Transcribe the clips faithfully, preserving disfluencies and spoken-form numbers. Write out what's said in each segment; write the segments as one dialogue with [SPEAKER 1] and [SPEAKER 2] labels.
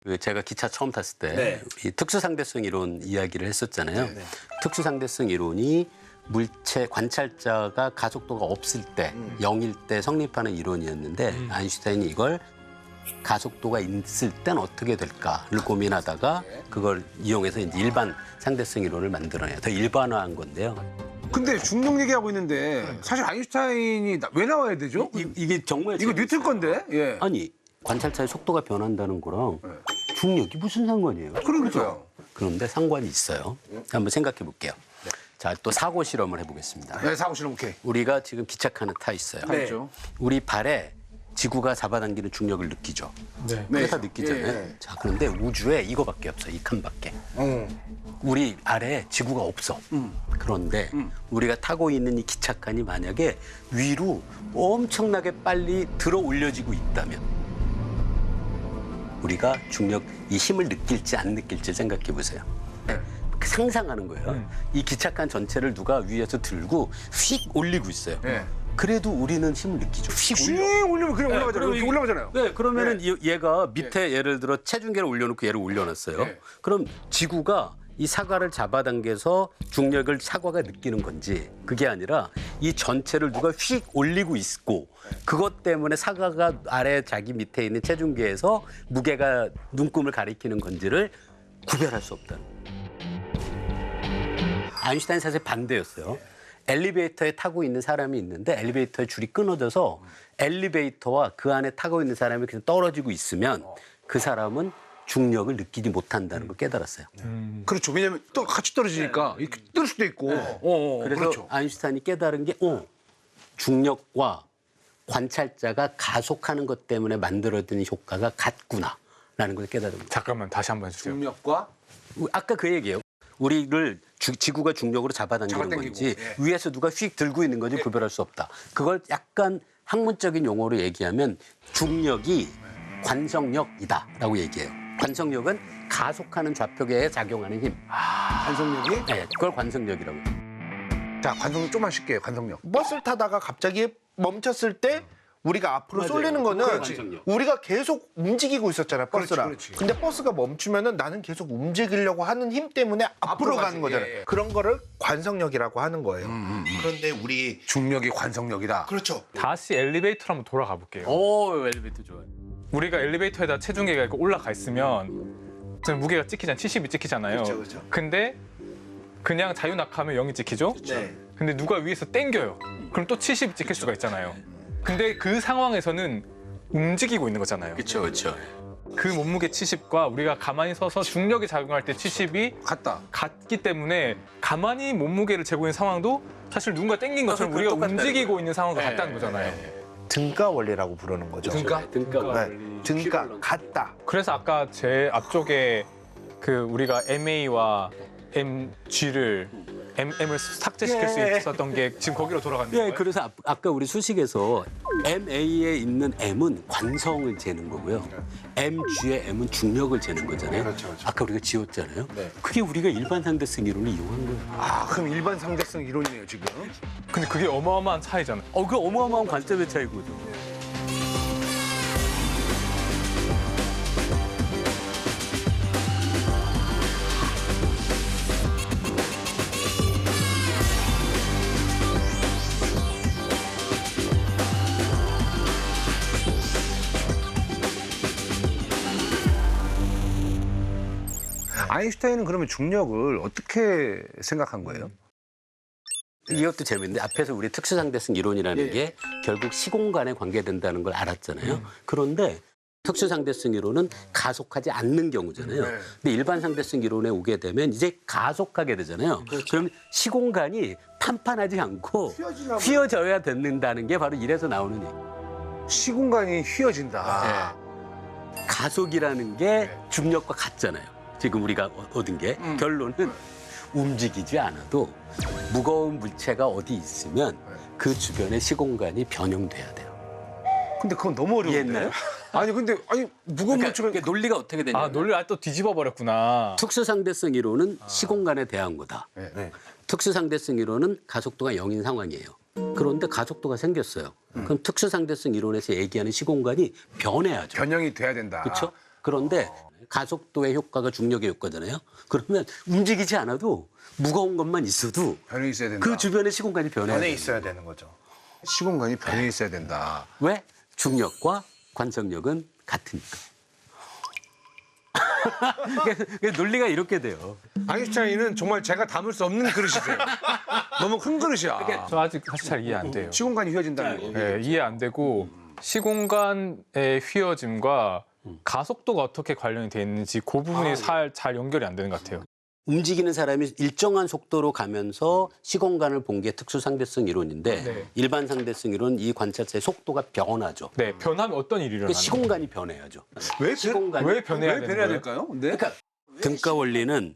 [SPEAKER 1] 그 제가 기차 처음 탔을 때
[SPEAKER 2] 네.
[SPEAKER 1] 이 특수상대성 이론 이야기를 했었잖아요.
[SPEAKER 2] 네, 네.
[SPEAKER 1] 특수상대성 이론이 물체 관찰자가 가속도가 없을 때,
[SPEAKER 2] 음.
[SPEAKER 1] 영일 때 성립하는 이론이었는데
[SPEAKER 3] 음.
[SPEAKER 1] 아인슈타인이 이걸 가속도가 있을 땐 어떻게 될까를 고민하다가 그걸 이용해서 이제 일반 상대성 이론을 만들어내요. 더 일반화한 건데요.
[SPEAKER 2] 근데 중력 얘기하고 있는데 사실 아인슈타인이 나- 왜 나와야 되죠?
[SPEAKER 1] 이, 이게 정말
[SPEAKER 2] 이거
[SPEAKER 1] 재밌어요.
[SPEAKER 2] 뉴턴 건데. 예.
[SPEAKER 1] 아니 관찰자의 속도가 변한다는 거랑 중력이 무슨 상관이에요?
[SPEAKER 2] 그러니까요.
[SPEAKER 1] 그런데 상관이 있어요. 한번 생각해 볼게요. 자, 또 사고 실험을 해보겠습니다.
[SPEAKER 2] 네, 사고 실험 오케이.
[SPEAKER 1] 우리가 지금 기차칸에 타 있어요.
[SPEAKER 2] 네.
[SPEAKER 1] 우리 발에 지구가 잡아당기는 중력을 느끼죠.
[SPEAKER 3] 네.
[SPEAKER 2] 네.
[SPEAKER 1] 다 느끼잖아요.
[SPEAKER 2] 예, 예.
[SPEAKER 1] 자, 그런데 우주에 이거밖에 없어. 이 칸밖에.
[SPEAKER 2] 어.
[SPEAKER 1] 우리 아래에 지구가 없어.
[SPEAKER 2] 음.
[SPEAKER 1] 그런데 우리가 타고 있는 이 기차칸이 만약에 위로 엄청나게 빨리 들어 올려지고 있다면 우리가 중력 이 힘을 느낄지 안 느낄지 생각해 보세요. 상상하는 거예요.
[SPEAKER 3] 음.
[SPEAKER 1] 이 기차칸 전체를 누가 위에서 들고 휙 올리고 있어요.
[SPEAKER 2] 네.
[SPEAKER 1] 그래도 우리는 힘을 느끼죠. 휙
[SPEAKER 2] 쭉
[SPEAKER 1] 올려.
[SPEAKER 2] 올리면 그냥 올라가잖아요.
[SPEAKER 1] 그럼
[SPEAKER 2] 이렇게
[SPEAKER 1] 이-
[SPEAKER 2] 올라가잖아요.
[SPEAKER 1] 네, 그러면은 이- 얘가 밑에 예를 들어 체중계를 올려놓고 얘를 올려놨어요.
[SPEAKER 2] 네.
[SPEAKER 1] 그럼 지구가 이 사과를 잡아당겨서 중력을 사과가 느끼는 건지 그게 아니라 이 전체를 누가 휙 올리고 있고 그것 때문에 사과가 아래 자기 밑에 있는 체중계에서 무게가 눈금을 가리키는 건지를 구별할 수 없다는 거예요. 아인슈타인 사실 반대였어요. 엘리베이터에 타고 있는 사람이 있는데 엘리베이터의 줄이 끊어져서 엘리베이터와 그 안에 타고 있는 사람이 그냥 떨어지고 있으면 그 사람은 중력을 느끼지 못한다는 걸 깨달았어요.
[SPEAKER 2] 그렇죠. 왜냐면 또 같이 떨어지니까 이렇게 뜰 수도 있고. 어, 어,
[SPEAKER 1] 그래서
[SPEAKER 2] 그렇죠.
[SPEAKER 1] 아인슈타인이 깨달은 게 어, 중력과 관찰자가 가속하는 것 때문에 만들어지는 효과가 같구나라는 걸 깨달은 거예요.
[SPEAKER 3] 잠깐만 다시 한번 해주세요.
[SPEAKER 2] 중력과
[SPEAKER 1] 아까 그 얘기예요. 우리를 주- 지구가 중력으로 잡아당기는
[SPEAKER 2] 잡아당기고,
[SPEAKER 1] 건지
[SPEAKER 2] 예.
[SPEAKER 1] 위에서 누가 휙 들고 있는 건지 구별할 수 없다. 그걸 약간 학문적인 용어로 얘기하면 중력이 관성력이다라고 얘기해요. 관성력은 가속하는 좌표계에 작용하는 힘.
[SPEAKER 2] 관성력이.
[SPEAKER 1] 네, 그걸 관성력이라고 해요.
[SPEAKER 2] 자, 관성력 좀만 쉴게요. 관성력.
[SPEAKER 4] 버스를 타다가 갑자기 멈췄을 때 우리가 앞으로
[SPEAKER 1] 맞아요.
[SPEAKER 4] 쏠리는 거는
[SPEAKER 1] 그렇지.
[SPEAKER 4] 우리가 계속 움직이고 있었잖아요, 버스랑.
[SPEAKER 2] 그렇지, 그렇지.
[SPEAKER 4] 근데 버스가 멈추면은 나는 계속 움직이려고 하는 힘 때문에 앞으로,
[SPEAKER 2] 앞으로 가지.
[SPEAKER 4] 가는 거잖아요.
[SPEAKER 2] 예, 예.
[SPEAKER 4] 그런 거를 관성력이라고 하는 거예요. 그런데 우리
[SPEAKER 2] 중력이 관성력이다.
[SPEAKER 4] 그렇죠.
[SPEAKER 3] 다시 엘리베이터로 한번 돌아가 볼게요.
[SPEAKER 1] 오, 엘리베이터 좋아요.
[SPEAKER 3] 우리가 엘리베이터에다 체중계가 이렇게 올라가 있으면 저는 무게가 찍히잖아요. 칠십이 찍히잖아요.
[SPEAKER 4] 그렇죠, 그렇죠.
[SPEAKER 3] 근데 그냥 자유낙하면 영이 찍히죠?
[SPEAKER 4] 네.
[SPEAKER 3] 근데 누가 위에서 땡겨요. 그럼 또 칠십이 찍힐 수가 있잖아요. 근데 그 상황에서는 움직이고 있는 거잖아요.
[SPEAKER 1] 그렇죠, 그렇죠.
[SPEAKER 3] 그 몸무게 칠십과 우리가 가만히 서서 중력이 작용할 때 칠십이
[SPEAKER 2] 같다.
[SPEAKER 3] 같기 때문에 가만히 몸무게를 재고 있는 상황도 사실 누군가 땡긴 것처럼
[SPEAKER 1] 아,
[SPEAKER 3] 우리가
[SPEAKER 1] 똑같다는
[SPEAKER 3] 움직이고
[SPEAKER 1] 거예요.
[SPEAKER 3] 있는 상황과
[SPEAKER 1] 네,
[SPEAKER 3] 같다는 거잖아요.
[SPEAKER 4] 등가 원리라고 부르는 거죠.
[SPEAKER 2] 등가?
[SPEAKER 1] 등가.
[SPEAKER 4] 네. 등가 같다.
[SPEAKER 3] 그래서 아까 제 앞쪽에 그 우리가 엠에이와 엠지를 엠엠을 삭제시킬 수
[SPEAKER 4] 예.
[SPEAKER 3] 있었던 게 지금 거기로 돌아가는
[SPEAKER 1] 예,
[SPEAKER 3] 거예요?
[SPEAKER 1] 그래서 아, 아까 우리 수식에서 엠에이에 있는 M은 관성을 재는 거고요. 엠지의 M은 중력을 재는 거잖아요.
[SPEAKER 2] 그렇죠, 그렇죠.
[SPEAKER 1] 아까 우리가 지웠잖아요.
[SPEAKER 2] 네.
[SPEAKER 1] 그게 우리가 일반 상대성 이론을 이용한 거예요.
[SPEAKER 2] 아, 그럼 일반 상대성 이론이네요, 지금.
[SPEAKER 3] 근데 그게 어마어마한 차이잖아요.
[SPEAKER 1] 어, 그 어마어마한 관점의 차이거죠.
[SPEAKER 2] 아인슈타인은 그러면 중력을 어떻게 생각한 거예요?
[SPEAKER 1] 이것도 재밌는데 앞에서 우리 특수상대성 이론이라는
[SPEAKER 2] 예.
[SPEAKER 1] 게 결국 시공간에 관계된다는 걸 알았잖아요. 그런데 특수상대성 이론은 가속하지 않는 경우잖아요.
[SPEAKER 2] 네.
[SPEAKER 1] 근데 일반 상대성 이론에 오게 되면 이제 가속하게 되잖아요. 그럼 시공간이 판판하지 않고 휘어져야 된다는 게 바로 이래서 나오는 얘기.
[SPEAKER 2] 시공간이 휘어진다.
[SPEAKER 1] 가속이라는 게 중력과 같잖아요. 지금 우리가 얻은 게 결론은 움직이지 않아도 무거운 물체가 어디 있으면 그 주변의 시공간이 변형돼야 돼요.
[SPEAKER 2] 근데 그건 너무 어려운데.
[SPEAKER 1] 이해했나요?
[SPEAKER 2] 아니, 근데 아니 무거운
[SPEAKER 1] 그러니까
[SPEAKER 2] 물체가
[SPEAKER 1] 그게 논리가 어떻게 되냐면
[SPEAKER 3] 아 논리를 아예 또 뒤집어 버렸구나.
[SPEAKER 1] 특수상대성 이론은 시공간에 대한 거다.
[SPEAKER 2] 네.
[SPEAKER 1] 특수상대성 이론은 가속도가 영인 상황이에요. 그런데 가속도가 생겼어요. 그럼 특수상대성 이론에서 얘기하는 시공간이 변해야죠.
[SPEAKER 2] 변형이 돼야 된다.
[SPEAKER 1] 그렇죠? 그런데 가속도의 효과가 중력의 효과잖아요. 그러면 움직이지 않아도 무거운 것만 있어도
[SPEAKER 2] 변해 있어야 된다.
[SPEAKER 1] 그 주변의 시공간이 변해요.
[SPEAKER 4] 안에 있어야 되는 거죠.
[SPEAKER 2] 시공간이 변해 있어야 된다.
[SPEAKER 1] 왜? 중력과 관성력은 같으니까. 그러니까 논리가 이렇게 돼요.
[SPEAKER 2] 아인슈타인은 정말 제가 담을 수 없는 그릇이세요. 너무 큰 그릇이야.
[SPEAKER 3] 저 아직 사실 잘 이해 안 돼요.
[SPEAKER 2] 시공간이 휘어진다는 거.
[SPEAKER 3] 네, 이해 안 되고 시공간의 휘어짐과 가속도가 어떻게 관련이 돼 있는지 그 부분이 살, 잘 연결이 안 되는 것 같아요.
[SPEAKER 1] 움직이는 사람이 일정한 속도로 가면서 시공간을 본 게 특수상대성 이론인데
[SPEAKER 3] 네.
[SPEAKER 1] 일반 상대성 이론은 이 관찰자의 속도가 변하죠.
[SPEAKER 3] 네, 변하면 어떤 일이
[SPEAKER 1] 그
[SPEAKER 3] 일어나는
[SPEAKER 1] 시공간이 변해야죠.
[SPEAKER 2] 왜,
[SPEAKER 1] 시공간이
[SPEAKER 3] 왜 변해야
[SPEAKER 2] 왜
[SPEAKER 3] 되는
[SPEAKER 2] 변해야
[SPEAKER 3] 거예요?
[SPEAKER 2] 될까요? 네?
[SPEAKER 1] 그러니까 등가 원리는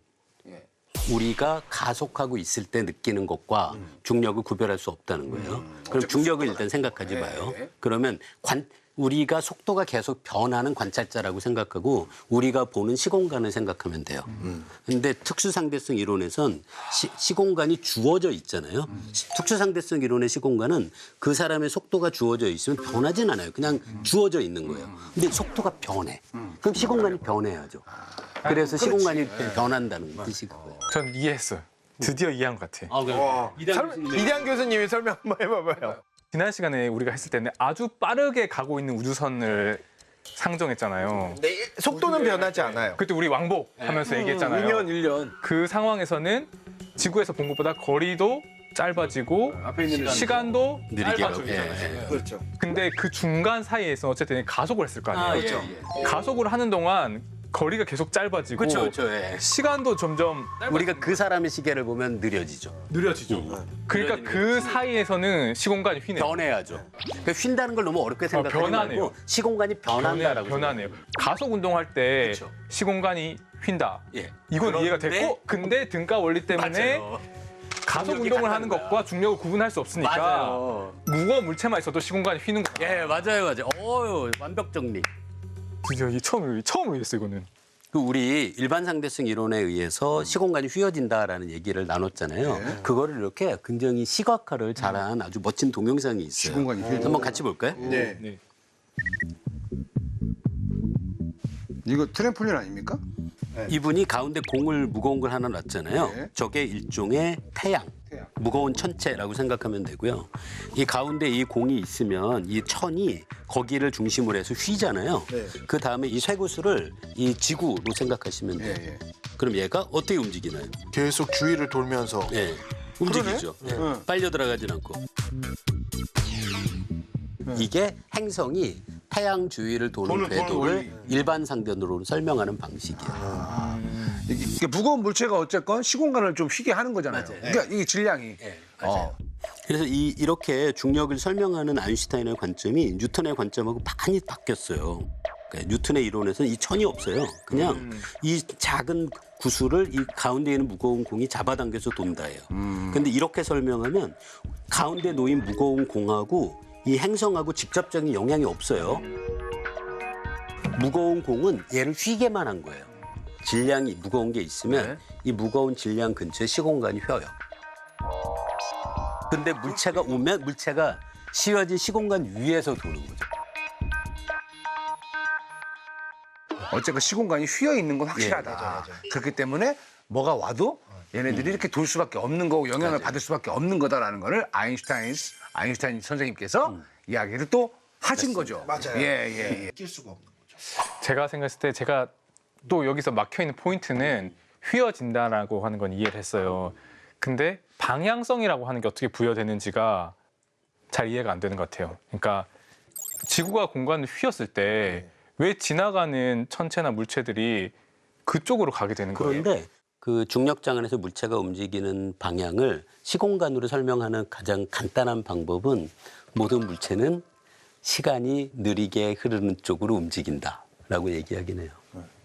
[SPEAKER 1] 우리가 가속하고 있을 때 느끼는 것과 중력을 구별할 수 없다는 거예요. 그럼 중력을 일단 생각하지 마요. 그러면 관, 우리가 속도가 계속 변하는 관찰자라고 생각하고 우리가 보는 시공간을 생각하면 돼요. 그런데 특수상대성 이론에선 시, 시공간이 주어져 있잖아요. 시- 특수상대성 이론의 시공간은 그 사람의 속도가 주어져 있으면 변하진 않아요. 그냥 주어져 있는 거예요. 근데 속도가 변해. 그럼 시공간이 변해야죠. 그래서 시공간이 변한다는 뜻이 그거예요.
[SPEAKER 3] 전 이해했어요. 드디어 이해한 것 같아.
[SPEAKER 1] 아, 그럼
[SPEAKER 4] 설- 이대한 교수님이 설명 한번 해봐봐요.
[SPEAKER 3] 지난 시간에 우리가 했을 때는 아주 빠르게 가고 있는 우주선을 상정했잖아요.
[SPEAKER 4] 네, 속도는 변하지 않아요.
[SPEAKER 3] 그때 우리 왕복하면서 얘기했잖아요.
[SPEAKER 2] 일 년, 일 년.
[SPEAKER 3] 그 상황에서는 지구에서 본 것보다 거리도 짧아지고
[SPEAKER 2] 앞에 있는
[SPEAKER 3] 시간도
[SPEAKER 1] 느리게
[SPEAKER 3] 짧아지고
[SPEAKER 1] 하고. 예, 예.
[SPEAKER 2] 그렇죠.
[SPEAKER 3] 근데 그 중간 사이에서 어쨌든 가속을 했을 거 아니에요.
[SPEAKER 1] 그렇죠.
[SPEAKER 3] 가속을 하는 동안 거리가 계속 짧아지고
[SPEAKER 1] 그렇죠, 그렇죠. 예.
[SPEAKER 3] 시간도 점점
[SPEAKER 1] 우리가 그 사람의 시계를 보면 느려지죠.
[SPEAKER 3] 느려지죠. 그러니까 그 사이에서는 시공간이 휘네요.
[SPEAKER 1] 변해야죠. 그러니까 휜다는 걸 너무 어렵게 생각하지
[SPEAKER 3] 변하네요.
[SPEAKER 1] 말고 시공간이 변한다라고.
[SPEAKER 3] 변하네요. 가속 운동할 때
[SPEAKER 1] 그렇죠.
[SPEAKER 3] 시공간이 휜다.
[SPEAKER 1] 예.
[SPEAKER 3] 이건 이해가
[SPEAKER 1] 그런데-
[SPEAKER 3] 됐고, 근데 등가 원리 때문에
[SPEAKER 1] 맞아요.
[SPEAKER 3] 가속
[SPEAKER 1] 중력이
[SPEAKER 3] 운동을
[SPEAKER 1] 같다는
[SPEAKER 3] 하는
[SPEAKER 1] 거야.
[SPEAKER 3] 것과 중력을 구분할 수 없으니까
[SPEAKER 1] 맞아요.
[SPEAKER 3] 무거운 물체만 있어도 시공간이 휘는 거야.
[SPEAKER 1] 예, 맞아요, 맞아요. 어유 완벽 정리.
[SPEAKER 3] 드디어 이 처음 처음 이해했어 이거는.
[SPEAKER 1] 그 우리 일반 상대성 이론에 의해서 시공간이 휘어진다라는 얘기를 나눴잖아요.
[SPEAKER 2] 네.
[SPEAKER 1] 그거를 이렇게 굉장히 시각화를 잘한 아주 멋진 동영상이 있어요.
[SPEAKER 2] 시공간이 휘어진다.
[SPEAKER 1] 한번 같이 볼까요?
[SPEAKER 4] 네.
[SPEAKER 3] 네.
[SPEAKER 2] 이거 트램폴린 아닙니까?
[SPEAKER 1] 이분이 가운데 공을 무거운 걸 하나 놨잖아요.
[SPEAKER 2] 네.
[SPEAKER 1] 저게 일종의 태양,
[SPEAKER 2] 태양.
[SPEAKER 1] 무거운 천체라고 생각하면 되고요. 이 가운데 이 공이 있으면 이 천이 거기를 중심으로 해서 휘잖아요.
[SPEAKER 4] 네.
[SPEAKER 1] 그 다음에 이 쇠구슬을 이 지구로 생각하시면 돼요.
[SPEAKER 2] 예, 예.
[SPEAKER 1] 그럼 얘가 어떻게 움직이나요?
[SPEAKER 4] 계속 주위를 돌면서
[SPEAKER 1] 예, 움직이죠. 예,
[SPEAKER 2] 응.
[SPEAKER 1] 빨려 들어가진 않고. 이게 행성이 태양 주위를 도는
[SPEAKER 2] 도는, 도는
[SPEAKER 1] 궤도를
[SPEAKER 2] 원리.
[SPEAKER 1] 일반 상대론으로 설명하는 방식이에요.
[SPEAKER 2] 이게, 이게 무거운 물체가 어쨌건 시공간을 좀 휘게 하는 거잖아요.
[SPEAKER 1] 맞아요.
[SPEAKER 2] 그러니까 이게 질량이.
[SPEAKER 1] 예, 맞아요.
[SPEAKER 2] 어.
[SPEAKER 1] 그래서 이, 이렇게 중력을 설명하는 아인슈타인의 관점이 뉴턴의 관점하고 많이 바뀌었어요. 그러니까 뉴턴의 이론에서는 이 천이 없어요. 그냥
[SPEAKER 2] 음.
[SPEAKER 1] 이 작은 구슬을 이 가운데 있는 무거운 공이 잡아당겨서 돈다예요.
[SPEAKER 2] 음.
[SPEAKER 1] 근데 이렇게 설명하면 가운데 놓인 무거운 공하고 이 행성하고 직접적인 영향이 없어요. 무거운 공은 얘를 휘게만 한 거예요. 질량이 무거운 게 있으면
[SPEAKER 2] 네.
[SPEAKER 1] 이 무거운 질량 근처에 시공간이 휘어요. 근데 물체가 오면 물체가 씌워진 시공간 위에서 도는 거죠.
[SPEAKER 2] 어쨌건 시공간이 휘어 있는 건 확실하다.
[SPEAKER 1] 예, 맞아,
[SPEAKER 2] 그렇기 때문에 뭐가 와도 얘네들이 이렇게 돌 수밖에 없는 거고 영향을
[SPEAKER 1] 맞아요.
[SPEAKER 2] 받을 수밖에 없는 거다라는 거를 아인슈타인 아인슈타인 선생님께서 이야기를 또 하신 거죠.
[SPEAKER 4] 맞아요.
[SPEAKER 2] 예, 예, 예.
[SPEAKER 4] 낄 수가 없는 거죠.
[SPEAKER 3] 제가 생각했을 때 제가 또 여기서 막혀 있는 포인트는 휘어진다라고 하는 건 이해를 했어요. 근데 방향성이라고 하는 게 어떻게 부여되는지가 잘 이해가 안 되는 것 같아요. 그러니까 지구가 공간을 휘었을 때 왜 지나가는 천체나 물체들이 그쪽으로 가게 되는 거예요?
[SPEAKER 1] 그런데 그 중력장 안에서 물체가 움직이는 방향을 시공간으로 설명하는 가장 간단한 방법은 모든 물체는 시간이 느리게 흐르는 쪽으로 움직인다라고 얘기하긴 해요.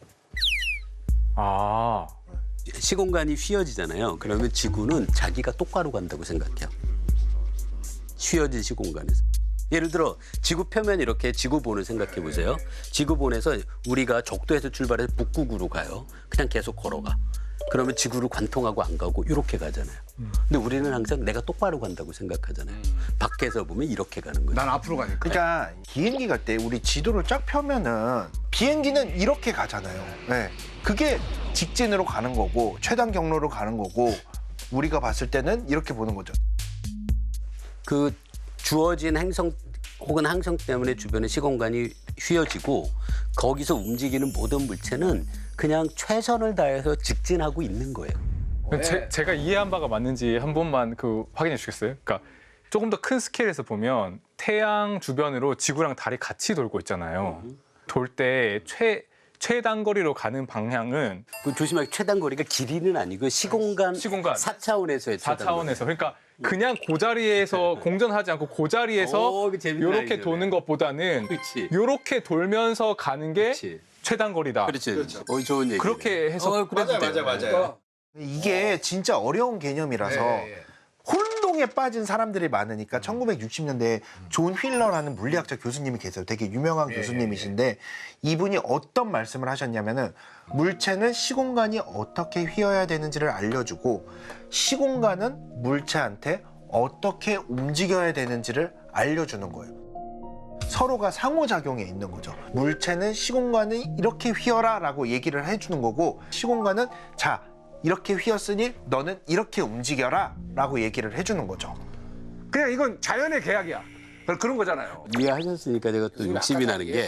[SPEAKER 3] 아,
[SPEAKER 1] 시공간이 휘어지잖아요. 그러면 지구는 자기가 똑바로 간다고 생각해요. 휘어진 시공간에서. 예를 들어 지구 표면 이렇게 지구본을 생각해 보세요. 지구본에서 우리가 적도에서 출발해서 북극으로 가요. 그냥 계속 걸어가. 그러면 지구를 관통하고 안 가고 이렇게 가잖아요. 근데 우리는 항상 내가 똑바로 간다고 생각하잖아요. 밖에서 보면 이렇게 가는 거죠.
[SPEAKER 2] 난 앞으로 가니까.
[SPEAKER 4] 그러니까 비행기 갈 때 우리 지도를 쫙 펴면은 비행기는 이렇게 가잖아요. 네. 그게 직진으로 가는 거고 최단 경로로 가는 거고 우리가 봤을 때는 이렇게 보는 거죠.
[SPEAKER 1] 그 주어진 행성 혹은 항성 때문에 주변의 시공간이 휘어지고 거기서 움직이는 모든 물체는 그냥 최선을 다해서 직진하고 있는 거예요.
[SPEAKER 3] 제, 제가 이해한 바가 맞는지 한 번만 그 확인해 주시겠어요? 그러니까 조금 더 큰 스케일에서 보면 태양 주변으로 지구랑 달이 같이 돌고 있잖아요. 돌 때 최 최단거리로 가는 방향은
[SPEAKER 1] 그 조심하게 최단거리가 길이는 아니고 시공간,
[SPEAKER 3] 시공간.
[SPEAKER 1] 사 차원에서의
[SPEAKER 3] 사
[SPEAKER 1] 최단거리.
[SPEAKER 3] 차원에서 그러니까 그냥 그 자리에서 공전하지 않고 그 자리에서
[SPEAKER 1] 오, 그 재밌는
[SPEAKER 3] 이렇게
[SPEAKER 1] 아이디어네.
[SPEAKER 3] 도는 것보다는
[SPEAKER 1] 그렇지.
[SPEAKER 3] 이렇게 돌면서 가는 게
[SPEAKER 1] 그렇지.
[SPEAKER 3] 최단거리다.
[SPEAKER 1] 그렇지. 어, 좋은 얘기.
[SPEAKER 3] 그렇게 해석.
[SPEAKER 1] 어, 그래도 돼요.
[SPEAKER 2] 맞아요.
[SPEAKER 4] 이게 진짜 어려운 개념이라서
[SPEAKER 2] 예, 예.
[SPEAKER 4] 혼동에 빠진 사람들이 많으니까 천구백육십 년대에 존 휠러라는 물리학자 교수님이 계세요. 되게 유명한 교수님이신데 이분이 어떤 말씀을 하셨냐면은 물체는 시공간이 어떻게 휘어야 되는지를 알려주고 시공간은 물체한테 어떻게 움직여야 되는지를 알려주는 거예요. 서로가 상호작용에 있는 거죠. 물체는 시공간을 이렇게 휘어라 라고 얘기를 해주는 거고 시공간은 자 이렇게 휘었으니 너는 이렇게 움직여라 라고 얘기를 해주는 거죠.
[SPEAKER 2] 그냥 이건 자연의 계약이야. 그런 거잖아요.
[SPEAKER 1] 이해하셨으니까 제가 또 욕심이 나는 게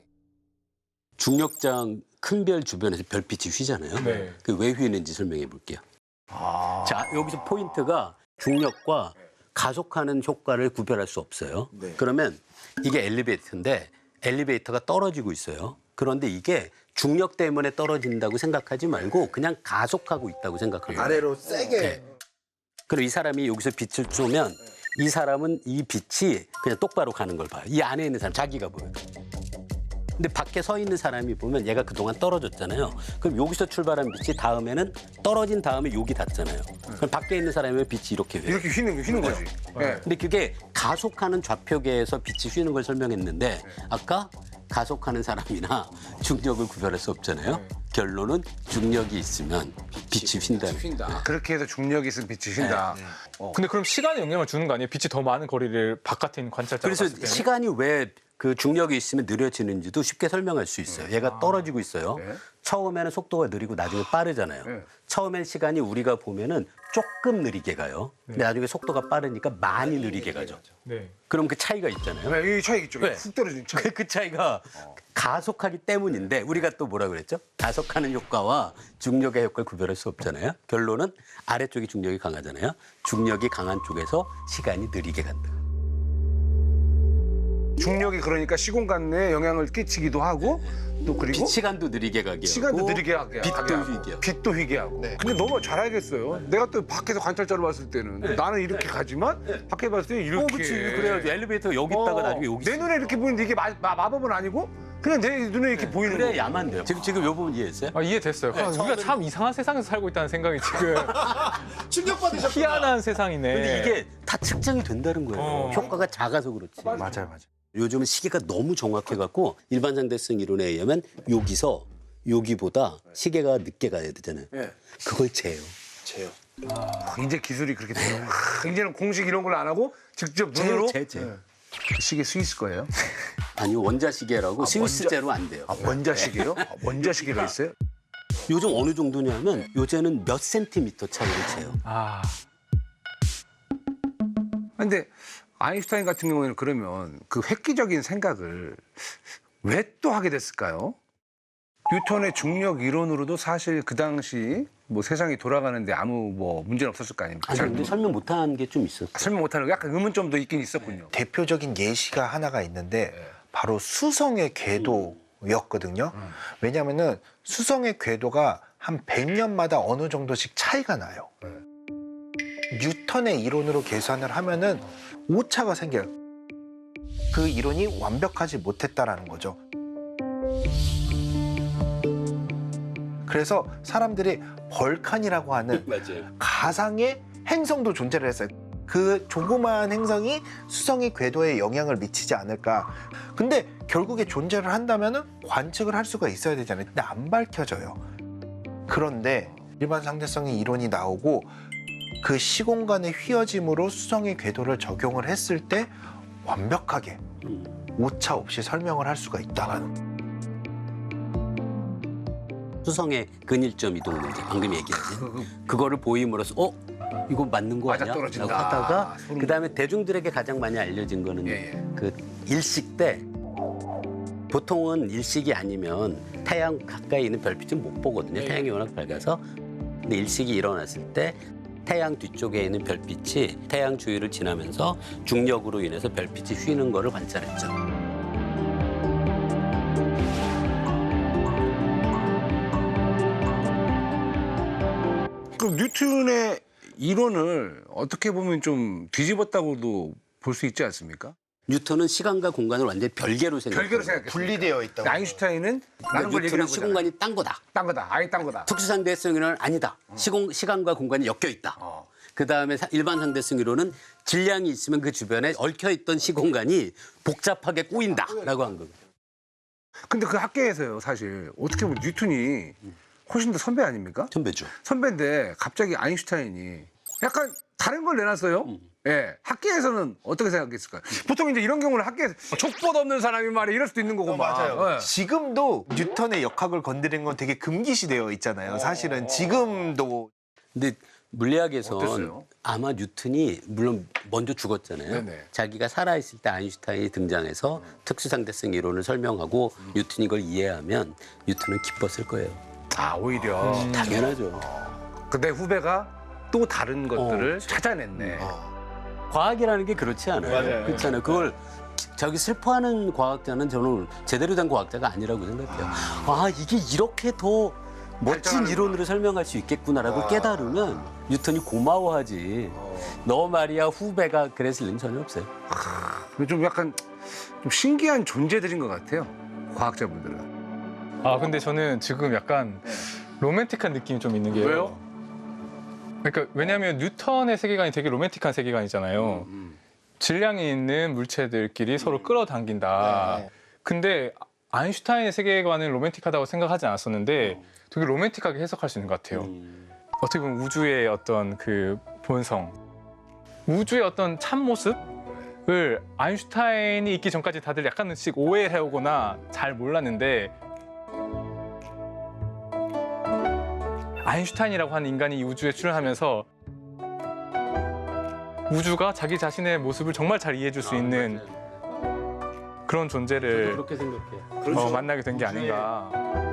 [SPEAKER 1] 중력장 큰 별 주변에서 별빛이 휘잖아요.
[SPEAKER 3] 네.
[SPEAKER 1] 그 왜 휘는지 설명해 볼게요. 자, 여기서 포인트가 중력과 가속하는 효과를 구별할 수 없어요. 그러면 이게 엘리베이터인데 엘리베이터가 떨어지고 있어요. 그런데 이게 중력 때문에 떨어진다고 생각하지 말고 그냥 가속하고 있다고 생각하면 돼요.
[SPEAKER 4] 아래로 세게.
[SPEAKER 1] 네. 그럼 이 사람이 여기서 빛을 쏘면 이 사람은 이 빛이 그냥 똑바로 가는 걸 봐요. 이 안에 있는 사람, 자기가 보여요. 근데 밖에 서 있는 사람이 보면 얘가 그동안 떨어졌잖아요. 그럼 여기서 출발한 빛이 다음에는 떨어진 다음에 여기 닿잖아요. 그럼 밖에 있는 사람의 빛이 이렇게 돼요.
[SPEAKER 2] 이렇게 휘는, 휘는 거지. 예.
[SPEAKER 1] 근데 그게 가속하는 좌표계에서 빛이 휘는 걸 설명했는데 아까 가속하는 사람이나 중력을 구별할 수 없잖아요. 결론은 중력이 있으면 빛이 휜다.
[SPEAKER 2] 그렇게 해서 중력이 있으면 빛이 휜다.
[SPEAKER 3] 근데 그럼 시간에 영향을 주는 거 아니에요? 빛이 더 많은 거리를 바깥에 있는 관찰자가
[SPEAKER 1] 그래서
[SPEAKER 3] 봤을 때는?
[SPEAKER 1] 시간이 왜 그 중력이 있으면 느려지는지도 쉽게 설명할 수 있어요. 얘가 떨어지고 있어요.
[SPEAKER 2] 네.
[SPEAKER 1] 처음에는 속도가 느리고 나중에 빠르잖아요.
[SPEAKER 2] 네.
[SPEAKER 1] 처음엔 시간이 우리가 보면은 조금 느리게 가요. 근데 나중에 속도가 빠르니까 많이 느리게 가죠.
[SPEAKER 3] 네.
[SPEAKER 1] 그럼 그 차이가 있잖아요.
[SPEAKER 2] 네, 이 차이 있죠.
[SPEAKER 1] 네.
[SPEAKER 2] 훅 떨어지는 차이.
[SPEAKER 1] 그, 그 차이가 가속하기 때문인데 우리가 또 뭐라 그랬죠? 가속하는 효과와 중력의 효과를 구별할 수 없잖아요. 결론은 아래쪽이 중력이 강하잖아요. 중력이 강한 쪽에서 시간이 느리게 간다.
[SPEAKER 2] 중력이 그러니까 시공간 내에 영향을 끼치기도 하고 또 그리고
[SPEAKER 1] 빛 시간도 느리게 가게
[SPEAKER 2] 시간도
[SPEAKER 1] 하고
[SPEAKER 2] 느리게 하게
[SPEAKER 1] 빛도
[SPEAKER 2] 하게 하고,
[SPEAKER 1] 휘게 하고.
[SPEAKER 2] 빛도 휘게 하고. 근데 너무 잘 알겠어요. 내가 또 밖에서 관찰자로 봤을 때는 나는 이렇게 가지만 밖에 봤을 때 이렇게.
[SPEAKER 1] 어, 그렇지. 그래야지 엘리베이터가 여기 있다가
[SPEAKER 2] 어,
[SPEAKER 1] 나중에 여기
[SPEAKER 2] 내
[SPEAKER 1] 있어.
[SPEAKER 2] 눈에 이렇게 보이는데 이게 마, 마, 마법은 아니고 그냥 내 눈에 이렇게 보이는
[SPEAKER 1] 그래
[SPEAKER 2] 거예요.
[SPEAKER 1] 야만 돼요. 지금 지금 요 부분 이해했어요?
[SPEAKER 3] 아, 이해됐어요. 아, 우리가 참 이상한 세상에서 살고 있다는 생각이 지금
[SPEAKER 4] 충격받으셨구나.
[SPEAKER 3] 희한한 세상이네.
[SPEAKER 1] 근데 이게 다 측정이 된다는 거예요.
[SPEAKER 3] 어.
[SPEAKER 1] 효과가 작아서 그렇지.
[SPEAKER 4] 맞아요, 맞아요.
[SPEAKER 1] 요즘은 시계가 너무 정확해갖고 일반 상대성 이론에 의하면 여기서 여기보다 시계가 늦게 가야 되잖아요.
[SPEAKER 2] 예.
[SPEAKER 1] 그걸 재요.
[SPEAKER 4] 재요.
[SPEAKER 2] 이제 기술이 그렇게 돼요. 아, 이제는 공식 이런 걸 안 하고 직접 눈으로
[SPEAKER 1] 재, 재.
[SPEAKER 2] 그 시계 스위스 거예요?
[SPEAKER 1] 아니요 원자 시계라고 스위스제로 안 돼요.
[SPEAKER 2] 아, 원자 시계요? 아, 원자 시계가 있어요?
[SPEAKER 1] 요즘 어느 정도냐면 요새는 몇 센티미터 차이를 재요.
[SPEAKER 3] 아,
[SPEAKER 2] 근데 아인슈타인 같은 경우에는 그러면 그 획기적인 생각을 왜 또 하게 됐을까요? 뉴턴의 중력 이론으로도 사실 그 당시 뭐 세상이 돌아가는데 아무 뭐 문제는 없었을 거 아닙니까?
[SPEAKER 1] 아니
[SPEAKER 2] 잘
[SPEAKER 1] 근데 설명 못한 게 좀 있었어.
[SPEAKER 2] 설명 못하는 거 약간 의문점도 있긴 있었군요.
[SPEAKER 4] 대표적인 예시가 하나가 있는데 바로 수성의 궤도였거든요. 왜냐하면은 수성의 궤도가 한 백 년마다 어느 정도씩 차이가 나요. 뉴턴의 이론으로 계산을 하면은 오차가 생겨요. 그 이론이 완벽하지 못했다라는 거죠. 그래서 사람들이 벌칸이라고 하는
[SPEAKER 1] 맞아요.
[SPEAKER 4] 가상의 행성도 존재를 했어요. 그 조그마한 행성이 수성의 궤도에 영향을 미치지 않을까. 근데 결국에 존재를 한다면 관측을 할 수가 있어야 되잖아요. 근데 안 밝혀져요. 그런데 일반 상대성의 이론이 나오고 그 시공간의 휘어짐으로 수성의 궤도를 적용을 했을 때 완벽하게 오차 없이 설명을 할 수가 있다라는.
[SPEAKER 1] 수성의 근일점 이동 문제 방금 얘기하신 그거를 보임으로써 어 이거 맞는 거 아니야?
[SPEAKER 2] 맞아떨어진다.
[SPEAKER 1] 라고 하다가
[SPEAKER 2] 소름
[SPEAKER 1] 그다음에 대중들에게 가장 많이 알려진 거는
[SPEAKER 2] 예, 예.
[SPEAKER 1] 그 일식 때 보통은 일식이 아니면 태양 가까이 있는 별빛은 못 보거든요.
[SPEAKER 2] 예,
[SPEAKER 1] 태양이 워낙 밝아서. 근데 일식이 일어났을 때 태양 뒤쪽에 있는 별빛이 태양 주위를 지나면서 중력으로 인해서 별빛이 휘는 거를 관찰했죠.
[SPEAKER 2] 그럼 뉴턴의 이론을 어떻게 보면 좀 뒤집었다고도 볼 수 있지 않습니까?
[SPEAKER 1] 뉴턴은 시간과 공간을 완전히 별개로 생각해요.
[SPEAKER 2] 별개로 생각했어요.
[SPEAKER 4] 분리되어 있다고.
[SPEAKER 2] 아인슈타인은 라는 걸 얘기를
[SPEAKER 1] 뉴턴은
[SPEAKER 2] 한 거잖아요.
[SPEAKER 1] 시공간이 딴 거다.
[SPEAKER 2] 딴 거다. 아예 딴 거다.
[SPEAKER 1] 특수상대성 이론은 아니다. 시공, 시간과 공간이 엮여 있다.
[SPEAKER 2] 어.
[SPEAKER 1] 그다음에 사- 일반 상대성 이론은 질량이 있으면 그 주변에 얽혀 있던 시공간이 복잡하게 꼬인다라고 한 겁니다.
[SPEAKER 2] 근데 그 학계에서요, 사실 어떻게 보면 뉴턴이 훨씬 더 선배 아닙니까?
[SPEAKER 1] 선배죠.
[SPEAKER 2] 선배인데 갑자기 아인슈타인이 약간 다른 걸 내놨어요. 예, 학계에서는 어떻게 생각했을까요? 보통 이제 이런 경우는 학계에서 족보도 없는 사람이 말이 이럴 수도 있는 거고
[SPEAKER 4] 어,
[SPEAKER 2] 막.
[SPEAKER 4] 맞아요.
[SPEAKER 2] 예.
[SPEAKER 4] 지금도 뉴턴의 역학을 건드리는 건 되게 금기시되어 있잖아요. 사실은 지금도.
[SPEAKER 1] 근데 물리학에선
[SPEAKER 2] 어땠어요?
[SPEAKER 1] 아마 뉴턴이 물론 먼저 죽었잖아요.
[SPEAKER 2] 네네.
[SPEAKER 1] 자기가 살아있을 때 아인슈타인이 등장해서 특수상대성 이론을 설명하고 뉴턴이 이걸 이해하면 뉴턴은 기뻤을 거예요.
[SPEAKER 2] 아, 오히려.
[SPEAKER 1] 당연하죠.
[SPEAKER 2] 근데 후배가 또 다른 것들을
[SPEAKER 1] 어.
[SPEAKER 2] 찾아냈네.
[SPEAKER 1] 과학이라는 게 그렇지 않아요.
[SPEAKER 4] 맞아요.
[SPEAKER 1] 그렇잖아요. 그걸 저기 슬퍼하는 과학자는 저는 제대로 된 과학자가 아니라고 생각해요. 아, 이게 이렇게 더 멋진
[SPEAKER 2] 발전하는구나.
[SPEAKER 1] 이론으로 설명할 수 있겠구나라고 깨달으면 뉴턴이 고마워하지. 너 말이야 후배가 그랬을 리는 전혀 없어요.
[SPEAKER 2] 좀 약간 좀 신기한 존재들인 것 같아요. 과학자분들은.
[SPEAKER 3] 아 근데 저는 지금 약간 로맨틱한 느낌이 좀 있는 게요.
[SPEAKER 2] 왜요?
[SPEAKER 3] 그러니까 왜냐하면 뉴턴의 세계관이 되게 로맨틱한 세계관이잖아요. 질량이 있는 물체들끼리 서로 끌어당긴다.
[SPEAKER 4] 네.
[SPEAKER 3] 근데 아인슈타인의 세계관은 로맨틱하다고 생각하지 않았었는데 되게 로맨틱하게 해석할 수 있는 것 같아요. 어떻게 보면 우주의 어떤 그 본성, 우주의 어떤 참 모습을 아인슈타인이 있기 전까지 다들 약간씩 오해해오거나 잘 몰랐는데 아인슈타인이라고 하는 인간이 이 우주에 출연하면서 우주가 자기 자신의 모습을 정말 잘 이해해줄 수 있는 그런 존재를
[SPEAKER 1] 그렇게 생각해요.
[SPEAKER 3] 어, 만나게 된 게 아닌가.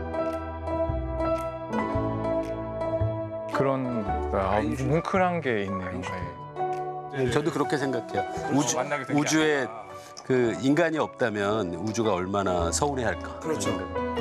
[SPEAKER 3] 그런 아, 뭉클한 게 있네요. 네.
[SPEAKER 1] 저도 그렇게 생각해요. 우주,
[SPEAKER 3] 만나게 된게
[SPEAKER 1] 우주에
[SPEAKER 3] 아닌가.
[SPEAKER 1] 그 인간이 없다면 우주가 얼마나 서운해할까.
[SPEAKER 2] 그렇죠.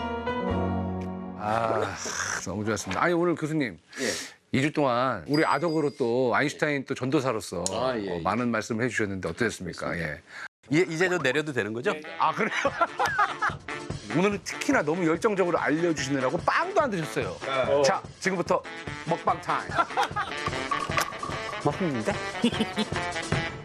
[SPEAKER 2] 아, 너무 좋았습니다. 아니, 오늘 교수님. 이 주 동안 우리 아덕으로 또 아인슈타인 또 전도사로서
[SPEAKER 1] 아, 예,
[SPEAKER 2] 어,
[SPEAKER 1] 예.
[SPEAKER 2] 많은 말씀을 해주셨는데 어떠셨습니까? 예.
[SPEAKER 1] 이제, 이제 저 내려도 되는 거죠?
[SPEAKER 2] 아, 그래요? 오늘은 특히나 너무 열정적으로 알려주시느라고 빵도 안 드셨어요. 자, 지금부터 먹방 타임.
[SPEAKER 1] 먹는데?